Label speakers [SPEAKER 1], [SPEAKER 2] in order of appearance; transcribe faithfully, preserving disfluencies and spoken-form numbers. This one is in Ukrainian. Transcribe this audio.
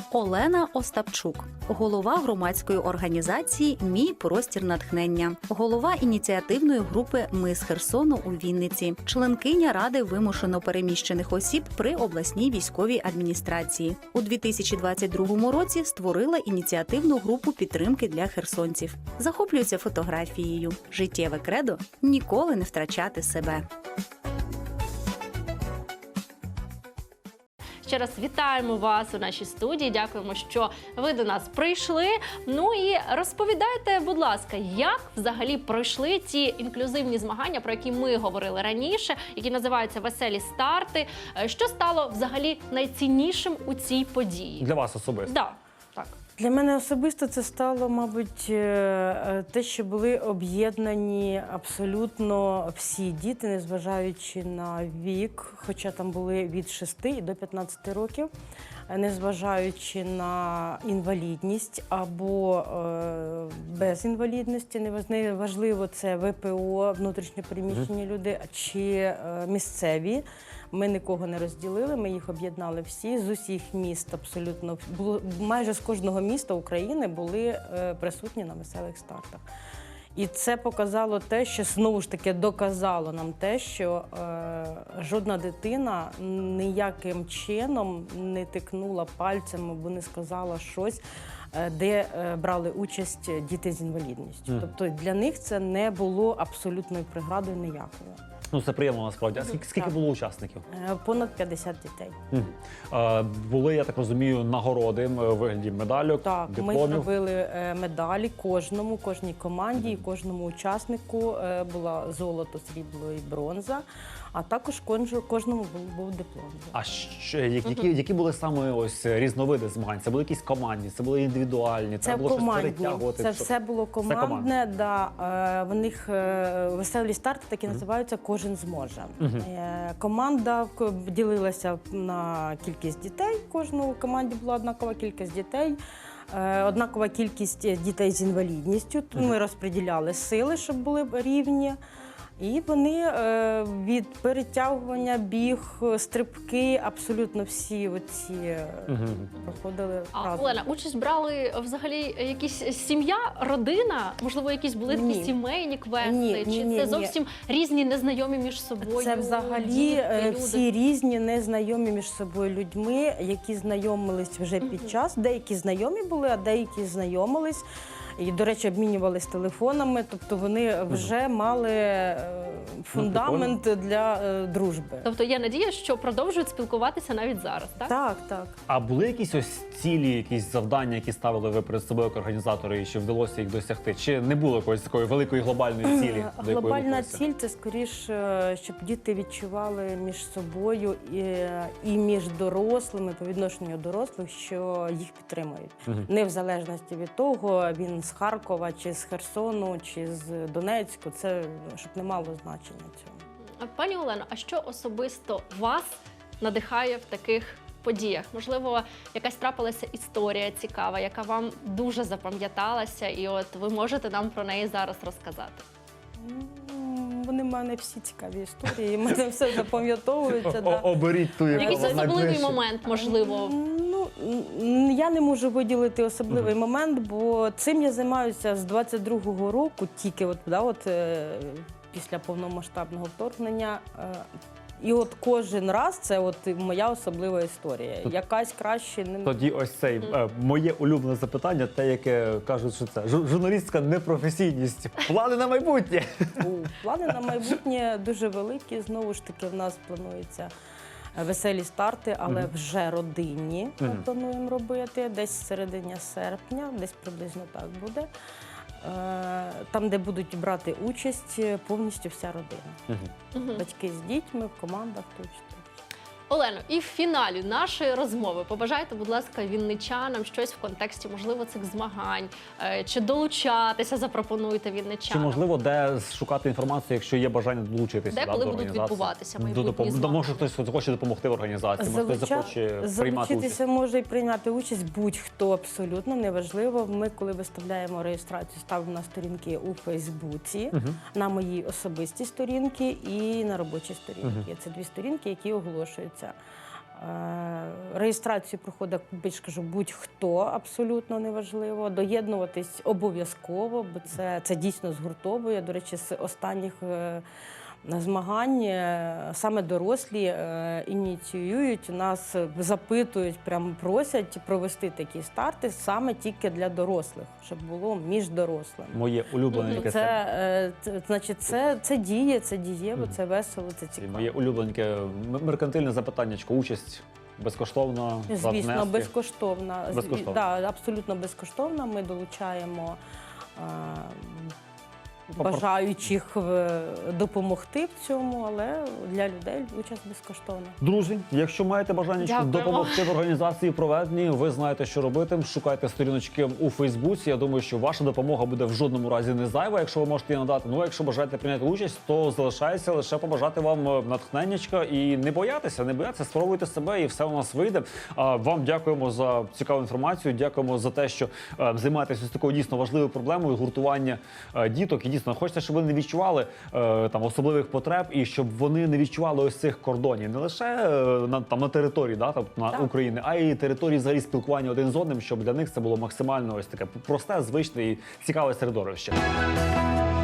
[SPEAKER 1] Олена Остапчук, голова громадської організації «Мій простір натхнення», голова ініціативної групи «Ми з Херсону» у Вінниці, членкиня Ради вимушено переміщених осіб при обласній військовій адміністрації. У дві тисячі двадцять другому році створила ініціативну групу підтримки для херсонців. Захоплюється фотографією. Життєве кредо – ніколи не втрачати себе.
[SPEAKER 2] Ще раз вітаємо вас у нашій студії. Дякуємо, що ви до нас прийшли. Ну і розповідайте, будь ласка, як взагалі пройшли ті інклюзивні змагання, про які ми говорили раніше, які називаються «Веселі старти». Що стало взагалі найціннішим у цій події?
[SPEAKER 3] Для вас особисто?
[SPEAKER 2] Да, так.
[SPEAKER 4] Для мене особисто це стало, мабуть, те, що були об'єднані абсолютно всі діти, незважаючи на вік, хоча там були від шести до п'ятнадцяти років, незважаючи на інвалідність або е, без інвалідності, неважливо, це В П О, внутрішньо переміщені люди, чи е, місцеві. Ми нікого не розділили, ми їх об'єднали всі, з усіх міст абсолютно, було, майже з кожного міста України були е, присутні на веселих стартах. І це показало те, що, знову ж таки, доказало нам те, що е, жодна дитина ніяким чином не тикнула пальцем або не сказала щось, е, де е, брали участь діти з інвалідністю. Mm. Тобто для них це не було абсолютною преградою ніякою.
[SPEAKER 3] Ну, це приємно насправді. А скільки, скільки було учасників?
[SPEAKER 4] Понад п'ятдесят дітей.
[SPEAKER 3] Угу. А, були, я так розумію, нагороди в вигляді медальок,
[SPEAKER 4] так,
[SPEAKER 3] дипломів?
[SPEAKER 4] Так, ми зробили медалі кожному, кожній команді, угу. кожному учаснику була золото, срібло і бронза, а також кожному був, був диплом.
[SPEAKER 3] А що, які, які були саме ось різновиди змагань? Це були якісь командні, це були індивідуальні?
[SPEAKER 4] Це
[SPEAKER 3] було
[SPEAKER 4] командні,
[SPEAKER 3] перетягувати?
[SPEAKER 4] це все було командне, все да. В них веселі старти такі угу. називаються «Кожен зможе». Угу. Команда ділилася на кількість дітей, в кожній команді була однакова кількість дітей, однакова кількість дітей з інвалідністю. Угу. Ми розподіляли сили, щоб були рівні. І вони е, від перетягування, біг, стрибки, абсолютно всі оці угу. проходили
[SPEAKER 2] а,
[SPEAKER 4] разом.
[SPEAKER 2] Олена, участь брали взагалі якісь сім'я, родина? Можливо, якісь були такі
[SPEAKER 4] ні.
[SPEAKER 2] сімейні квести?
[SPEAKER 4] Ні,
[SPEAKER 2] Чи
[SPEAKER 4] ні, ні,
[SPEAKER 2] це зовсім
[SPEAKER 4] ні.
[SPEAKER 2] різні, незнайомі між собою
[SPEAKER 4] Це взагалі
[SPEAKER 2] діти,
[SPEAKER 4] всі
[SPEAKER 2] люди?
[SPEAKER 4] різні, незнайомі між собою людьми, які знайомились вже під угу. час. Деякі знайомі були, а деякі знайомились. І, до речі, обмінювалися телефонами, тобто вони вже мали фундамент для дружби.
[SPEAKER 2] Тобто є надія, що продовжують спілкуватися навіть зараз, так?
[SPEAKER 4] Так, так.
[SPEAKER 3] А були якісь ось цілі, якісь завдання, які ставили ви перед собою як організатори, і чи вдалося їх досягти? Чи не було якоїсь такої великої глобальної цілі? до
[SPEAKER 4] Глобальна ціль – це скоріше, щоб діти відчували між собою і, і між дорослими, по відношенню дорослих, що їх підтримують. Угу. Не в залежності від того, він з Харкова, чи з Херсону, чи з Донецьку, це щоб не мало значення цього.
[SPEAKER 2] Пані Олено, а що особисто вас надихає в таких подіях? Можливо, якась трапилася історія цікава, яка вам дуже запам'яталася, і от ви можете нам про неї зараз розказати?
[SPEAKER 4] Вони в мене всі цікаві історії, мене все запам'ятовується. Да.
[SPEAKER 3] Оберіть ту, яку
[SPEAKER 2] якийсь особливий момент, можливо?
[SPEAKER 4] Ну, я не можу виділити особливий угу. момент, бо цим я займаюся з двадцять другого року, тільки от, да, от, після повномасштабного вторгнення. І от кожен раз це от моя особлива історія. Якась краще не...
[SPEAKER 3] Тоді ось цей е, моє улюблене запитання, те, яке кажуть, що це журналістська непрофесійність. Плани на майбутнє?
[SPEAKER 4] У, плани на майбутнє дуже великі. Знову ж таки, в нас планується веселі старти, але mm-hmm. вже родинні ми mm-hmm. плануємо робити. Десь в середині серпня, десь приблизно так буде. Там, де будуть брати участь повністю вся родина. Угу. Батьки з дітьми, в командах точно.
[SPEAKER 2] Олено, і в фіналі нашої розмови побажайте, будь ласка, вінничанам щось в контексті, можливо, цих змагань, чи долучатися запропонуєте вінничанам?
[SPEAKER 3] Чи, можливо, де шукати інформацію, якщо є бажання долучитися
[SPEAKER 2] де,
[SPEAKER 3] да,
[SPEAKER 2] коли
[SPEAKER 3] до
[SPEAKER 2] будуть відбуватися майбутні
[SPEAKER 3] допом...
[SPEAKER 2] змагання?
[SPEAKER 3] Може хтось хоче допомогти в організації, може
[SPEAKER 4] Залуча...
[SPEAKER 3] хтось захоче приймати участь?
[SPEAKER 4] Залучитися може і прийняти участь будь-хто, абсолютно, неважливо. Ми, коли виставляємо реєстрацію, ставимо на сторінки у Фейсбуці, угу. на моїй особистій сторінці і на робочій сторінці. Угу. Це дві сторінки, які оголошуються. Реєстрацію проходить, більш кажу, будь-хто, абсолютно неважливо. Доєднуватись обов'язково, бо це, це дійсно згуртовує. До речі, з останніх е, змагань е, саме дорослі е, ініціюють, нас запитують, прямо просять провести такі старти саме тільки для дорослих, щоб було між дорослими.
[SPEAKER 3] Моє улюблене
[SPEAKER 2] Мгм.
[SPEAKER 3] яке
[SPEAKER 4] Це, е, це, значить, це, це діє, це дієво, це весело, це цікаво.
[SPEAKER 3] моє улюблене м- меркантильне запитаннячко. Участь безкоштовно за
[SPEAKER 4] Звісно,
[SPEAKER 3] внески.
[SPEAKER 4] безкоштовна. З-
[SPEAKER 3] Безкоштовно.
[SPEAKER 4] Да, абсолютно безкоштовна. Ми долучаємо е,
[SPEAKER 3] Попро-
[SPEAKER 4] бажаючих е, допомогти в цьому, але для людей участь безкоштовна.
[SPEAKER 3] Друзі, якщо маєте бажання щоб
[SPEAKER 2] Дякуємо.
[SPEAKER 3] допомогти в організації проведенні, ви знаєте, що робити. Шукайте сторіночки у Фейсбуці. Я думаю, що ваша допомога буде в жодному разі не зайва, якщо ви можете її надати. Ну, а якщо бажаєте прийняти участь, то залишається лише побажати вам натхненнячка і не боятися, не боятися, спробуйте себе, і все у нас вийде. А вам дякуємо за цікаву інформацію. Дякуємо за те, що е, займаєтеся ось такою дійсно важливою проблемою гуртування е, діток. І дійсно хочеться, щоб вони не відчували е, там особливих потреб, і щоб вони не відчували ось цих кордонів не лише е, на там на території, да, тобто на
[SPEAKER 4] Так.
[SPEAKER 3] України, а й території взагалі спілкування один з одним, щоб для них це було максимально ось таке просте, звичне і цікаве середовище.